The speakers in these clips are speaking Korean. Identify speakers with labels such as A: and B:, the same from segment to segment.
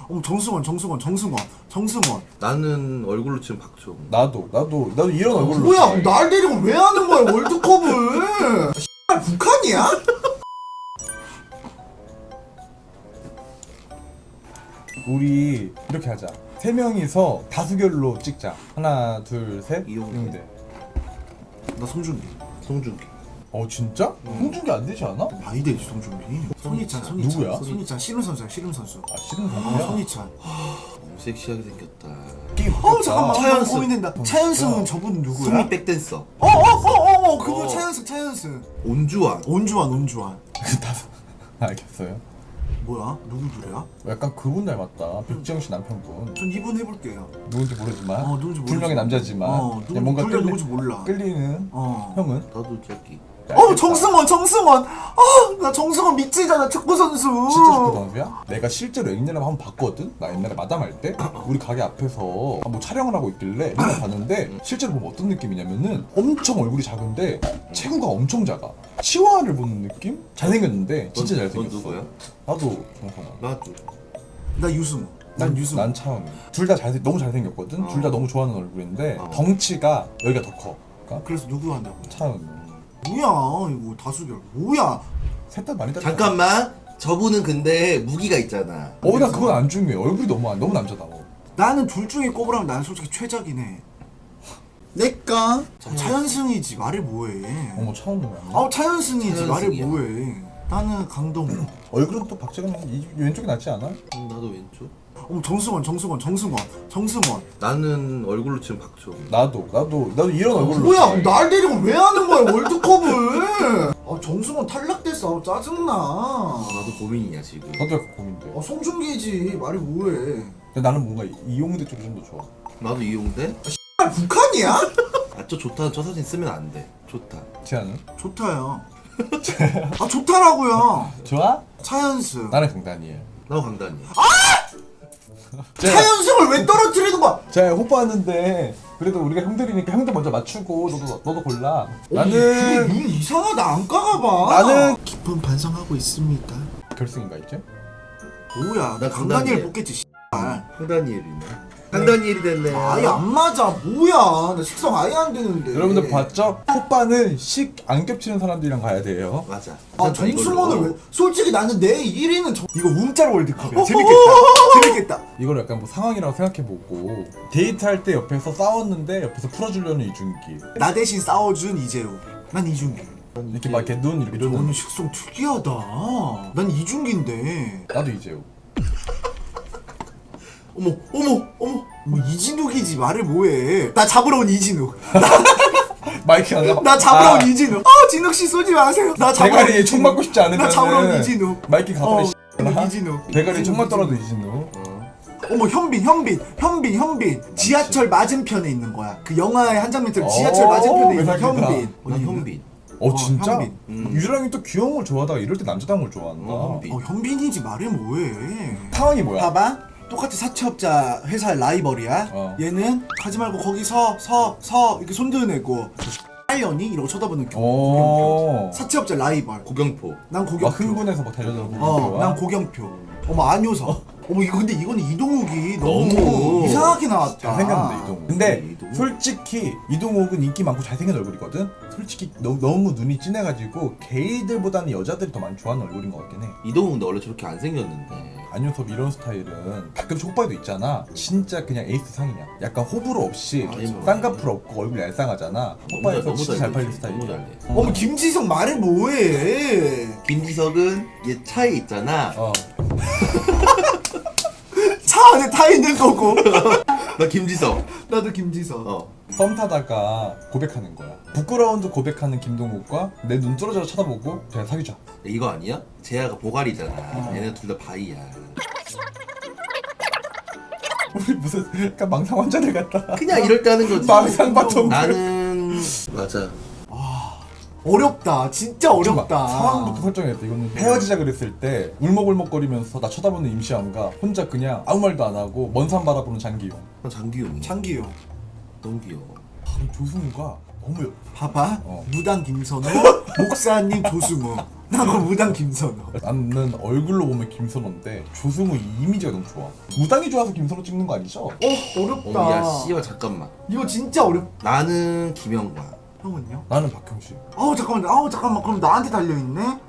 A: 정승원.
B: 나는 얼굴로 치면 박주홍.
C: 나도 이런 얼굴로.
A: 뭐야, 날 데리고 왜 하는 거야, 월드컵을? X발 북한이야?
C: 우리 이렇게 하자. 세 명이서 다수결로 찍자. 하나, 둘, 셋.
B: 이용대.
A: 나 송중기.
B: 송중기.
C: 진짜? 홍준기 안 되지 않아?
A: 많이 되지, 송중기. 손희찬.
C: 누구야?
A: 손희찬, 씨름 선수야, 씨름 선수.
C: 싫은 사람이야?
A: 손희찬.
B: 너무 섹시하게 생겼다.
A: 잠깐만,
B: 차연승.
A: 고민된다. 차연승은 저분 누구야?
B: 소미 백댄서.
A: 그분 차연승.
B: 온주환.
A: 온주환.
C: 알겠어요.
A: 뭐야? 누구 노래야?
C: 약간 그분 닮았다. 백지영 씨 남편분.
A: 전 이분 해볼게요.
C: 누군지 모르지만
A: 누군지
C: 불명의 남자지만 그냥 뭔가
A: 불명 누군지 몰라.
C: 끌리는 형은?
B: 나도 저기.
A: 정승원. 나 정승원 믿지잖아, 축구 선수.
C: 진짜 축구 선수야? 내가 실제로 옛날에 한번 봤거든? 나 옛날에 마담할 때 우리 가게 앞에서 뭐 촬영을 하고 있길래 맨날 봤는데 실제로 보면 어떤 느낌이냐면은 엄청 얼굴이 작은데 체구가 엄청 작아. 치와를 보는 느낌? 잘생겼는데 진짜 잘생겼어.
B: 넌 누구야?
C: 나도 정선아.
B: 나도.
A: 나 유승우.
C: 난 차은우. 둘 다 너무 잘생겼거든? 둘 다 너무 좋아하는 얼굴인데 덩치가 여기가 더 커. 그러니까
A: 그래서 누구 한다고?
C: 차은우.
A: 뭐야 이거 다수결. 뭐야?
C: 셋 다 많이 다르
B: 잠깐만. 저분은 근데 무기가 있잖아.
C: 나 그건 안 중요해. 얼굴이 너무 남자다워.
A: 나는 둘 중에 꼽으라면 나는 솔직히 최작이네. 내가 차연승이지, 말이 뭐해.
C: 어머 차은우야.
A: 차연승이지, 말이
B: 차연승이야.
A: 뭐해. 나는 강동우.
C: 얼굴은 또 박재근 왼쪽이 낫지 않아?
B: 나도 왼쪽.
A: 정승원.
B: 나는 얼굴로 치면 박주홍.
C: 나도 이런 얼굴로.
A: 뭐야, 날 데리고 왜 하는 거야, 월드컵을? 정승원 탈락됐어. 짜증나.
B: 나도 고민이야 지금.
C: 나도 약간 고민돼.
A: 송중기지, 말이 뭐해.
C: 근데 나는 뭔가 이용대 쪽이 좀 더 좋아.
B: 나도 이용대.
A: 북한이야?
B: 저 좋다. 저 사진 쓰면 안 돼. 좋다.
C: 지아는?
A: 좋다요. 좋다라고요.
C: 좋아?
A: 차연승.
C: 나는 강다니엘.
B: 나도 강단이야.
A: 차연승을 왜 떨어뜨리는 거야?
C: 제가 호빠하는데 그래도 우리가 형들이니까 형들 먼저 맞추고 너도 골라.
A: 나는
C: 나는
A: 눈 이상하다, 안 까가봐.
C: 나는
A: 깊은 반성하고 있습니다.
C: 결승인가 이제?
A: 뭐야, 나
B: 나
A: 강다니엘
B: 강다니엘.
A: 뽑겠지.
B: 강다니엘이네. 강다니엘이 됐네.
A: 아예 안 맞아. 뭐야, 나 식성 아예 안 되는데.
C: 여러분들 봤죠? 호빠는 식 안 겹치는 사람들이랑 가야 돼요.
B: 맞아.
A: 정승원을 왜? 솔직히 나는 내 1위는 이거 움짤 월드컵이야. 재밌겠다.
C: 이걸 약간 뭐 상황이라고 생각해보고 데이트할 때 옆에서 싸웠는데 옆에서 풀어주려는 이준기.
A: 나 대신 싸워준 이재우. 난 이준기.
C: 이렇게 막 이렇게 눈 이렇게
A: 너는
C: 조는.
A: 식성 특이하다. 난 이준기인데.
C: 나도 이재우.
B: 어머.
A: 뭐 이진욱이지, 말을 뭐해. 나 잡으러 온 이진욱.
C: 마이크 안 나가?
A: 나 잡으러 온 이진욱. 진욱 씨 쏘지 마세요. 나 잡으러 온
C: 대가리에 총
A: 이진욱.
C: 맞고 싶지 않으면
A: 나 잡으러 온 이진욱.
C: 마이크 가버려.
A: 이진욱.
C: 대가리에 총만 떨어도 이진우.
A: 현빈. 지하철 맞은편에 있는 거야. 그 영화의 한 장면처럼 지하철 맞은편에 있는
C: 외상이다.
A: 현빈.
B: 난 현빈.
C: 진짜?
A: 현빈.
C: 유랑이 또 귀여운 걸 좋아하다가 이럴 때 남자다운 걸 좋아한다.
B: 현빈.
A: 현빈이지, 말해 뭐해.
C: 상황이 뭐야?
A: 봐봐. 똑같이 사채업자 회사 라이벌이야. 얘는 가지 말고 거기 서 이렇게 손 드내고 X년이 이러고 쳐다보는 고경표. 사채업자 라이벌.
B: 고경포.
A: 난
C: 막
A: 고경표.
C: 흥분해서 막 달려들고.
A: 난 고경표. 안효서. 근데 이거는 이동욱이 너무 이상하게 나왔다.
C: 잘생겼는데 이동욱. 근데
B: 이동욱?
C: 솔직히 이동욱은 인기 많고 잘생긴 얼굴이거든. 솔직히 너무 눈이 진해가지고 게이들보다는 여자들이 더 많이 좋아하는 얼굴인 것 같긴 해.
B: 이동욱 근데 원래 저렇게 안 생겼는데.
C: 안효섭 이런 스타일은 가끔 촉발도 있잖아. 진짜 그냥 에이스 상이야. 약간 호불호 없이 쌍꺼풀 없고 얼굴 얄쌍하잖아. 호빠에서
B: 너무
C: 진짜 잘 팔린
B: 잘해. 너무
C: 스타일이야.
B: 잘해.
A: 김지성 말해 뭐해.
B: 김지석은 얘 차에 있잖아.
A: 차 안에 타 있는 거고.
B: 나 김지석.
A: 나도 김지성.
C: 썸 타다가 고백하는 거야. 부끄러운 듯 고백하는 김동욱과 내 눈 뚫어져서 쳐다보고 그냥 사귀자.
B: 이거 아니야? 재하가 보갈이잖아. 얘네 둘 다 바이야.
C: 우리 무슨 약간 망상 환자들 같다.
B: 그냥 이럴 때 하는 거지.
C: 망상 바통.
B: 나는 맞아.
A: 어렵다. 진짜 어렵다.
C: 상황부터 설정했다. 이거는 헤어지자 그랬을 때 울먹울먹거리면서 나 쳐다보는 임시완과 혼자 그냥 아무 말도 안 하고 먼 산 바라보는 장기용.
B: 난 장기용.
A: 장기요.
B: 너무 귀여워.
C: 조승우가 너무
A: 봐봐.
C: 어.
A: 무당 김선호, 목사님 조승우. 나도 무당 김선호.
C: 나는 얼굴로 보면 김선호인데 조승우 이미지가 너무 좋아. 무당이 좋아서 김선호 찍는 거 아니죠?
A: 어렵다.
B: 어야 씨발 잠깐만.
A: 이거 진짜
B: 나는 김영관.
A: 형은요?
C: 나는 박형식.
A: 잠깐만. 그럼 나한테 달려있네?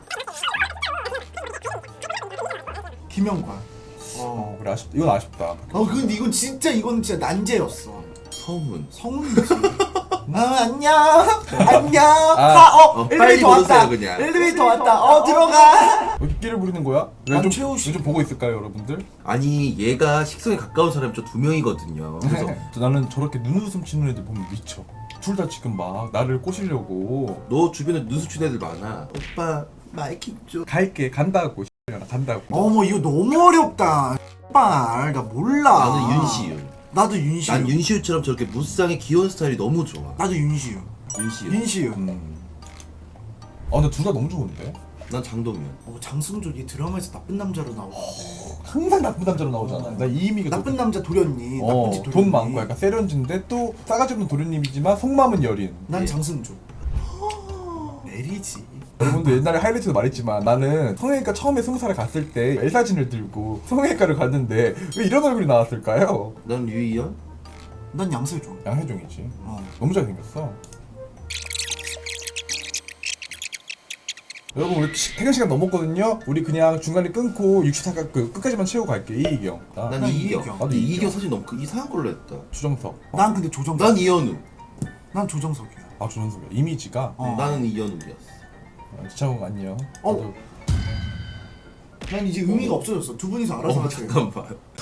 A: 김영관.
C: 그래 이건 아쉽다.
A: 근데 이건 진짜 난제였어.
B: 서훈.
A: 성훈이지. 안녕. 안녕.
B: 빨리
A: 엘리베이터 왔다.
B: 보세요, 그냥.
A: 엘리베이터 왔다. 들어가.
C: 왜 끼를 부리는 거야?
A: 난 최우식.
C: 좀 보고 있을까요, 여러분들?
B: 아니 얘가 식성에 가까운 사람이 저 2명이거든요. 그래서
C: 나는 저렇게 눈웃음 치는 애들 보면 미쳐. 둘 다 지금 막 나를 꼬시려고.
B: 너 주변에 눈수친 애들 많아. 오빠 마이크 좀.
C: 간다고 나 간다고.
A: 어머 이거 너무 어렵다. 빨, 나 몰라.
B: 나는 윤시윤.
A: 나도 윤시윤.
B: 난 윤시윤처럼 저렇게 무쌍의 귀여운 스타일이 너무 좋아.
A: 나도 윤시윤.
B: 윤시윤.
C: 근데 둘 다 너무 좋은데?
B: 난 장동민.
A: 장승조 이 드라마에서 나쁜 남자로 나오는데.
C: 항상 나쁜 남자로 나오잖아. 나 이미가
A: 나쁜 남자 도련님. 나쁜 집 도련님.
C: 돈 많고 약간 세련진데 또 싸가지 없는 도련님이지만 속마음은 여린.
A: 난 장승조. 메리지.
C: 여러분들 옛날에 하이라이트도 말했지만 나는 성형외과 처음에 20살에 갔을 때 L사진을 들고 성형외과를 갔는데 왜 이런 얼굴이 나왔을까요?
B: 난 유희연.
A: 난 양세종.
C: 양혜종이지. 너무 잘생겼어. 여러분 우리 퇴근 시간 넘었거든요. 우리 그냥 중간에 끊고 64가 끝까지만 채우고 갈게. 이희경.
B: 난
A: 난
B: 이희경.
A: 이희경.
B: 근데 이희경 사실 너무 이상한 걸로 했다.
C: 주정석.
A: 난 근데 조정석.
B: 난 이현우.
A: 난 조정석이야.
C: 아 주정석이야. 이미지가.
B: 나는 이현우였어.
C: 지창욱 안녕.
A: 어. 난 이제 의미가 없어졌어. 두 분이서 알아서 하세요.
B: 잠깐만.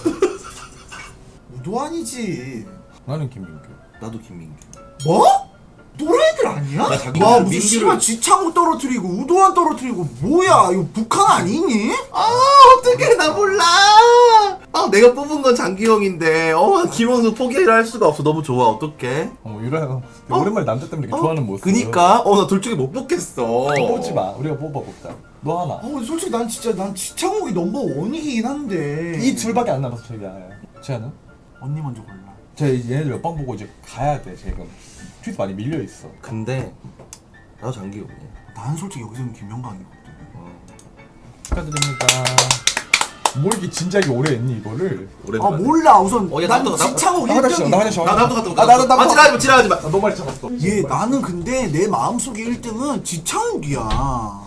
A: 우도환이지.
C: 나는 김민규.
B: 나도 김민규.
A: 뭐? 또래들 아니야?
B: 나 자기
A: 와 무슨
B: 민규를-
A: 씨발 지창욱 떨어뜨리고 우도환 떨어뜨리고 뭐야 이거 북한 아니니?
B: 아 어떡해 나 몰라. 내가 뽑은 건 장기영인데 김원수 포기를 할 수가 없어. 너무 좋아. 어떡해.
C: 유라 오랜만에 남자 때문에 이렇게 좋아하는 모습.
B: 그니까 나 둘 중에 못 뽑겠어.
C: 뽑지 마. 우리가 뽑자. 너 하나.
A: 솔직히 난 지창욱이 넘버 원이긴 한데
C: 이 둘밖에 안 남았어 저희가. 재현은?
A: 언니 먼저 골라.
C: 제 얘네들 옆방 보고 이제 가야 돼. 지금 퀴즈 많이 밀려 있어.
B: 근데 나도 장기영이야.
A: 난 솔직히 여기서는 김영광이거든.
C: 축하드립니다. 뭘 이렇게 진지하게 오래 했니 이거를?
B: 오랜만에.
A: 몰라 우선
B: 야,
A: 난
B: 나도
A: 지창욱
C: 나 화장실
A: 1등이
C: 나도
B: 나도 지랄하지 마.
C: 너 말이 잡았어.
A: 나는 근데 내 마음속에 1등은 지창욱이야.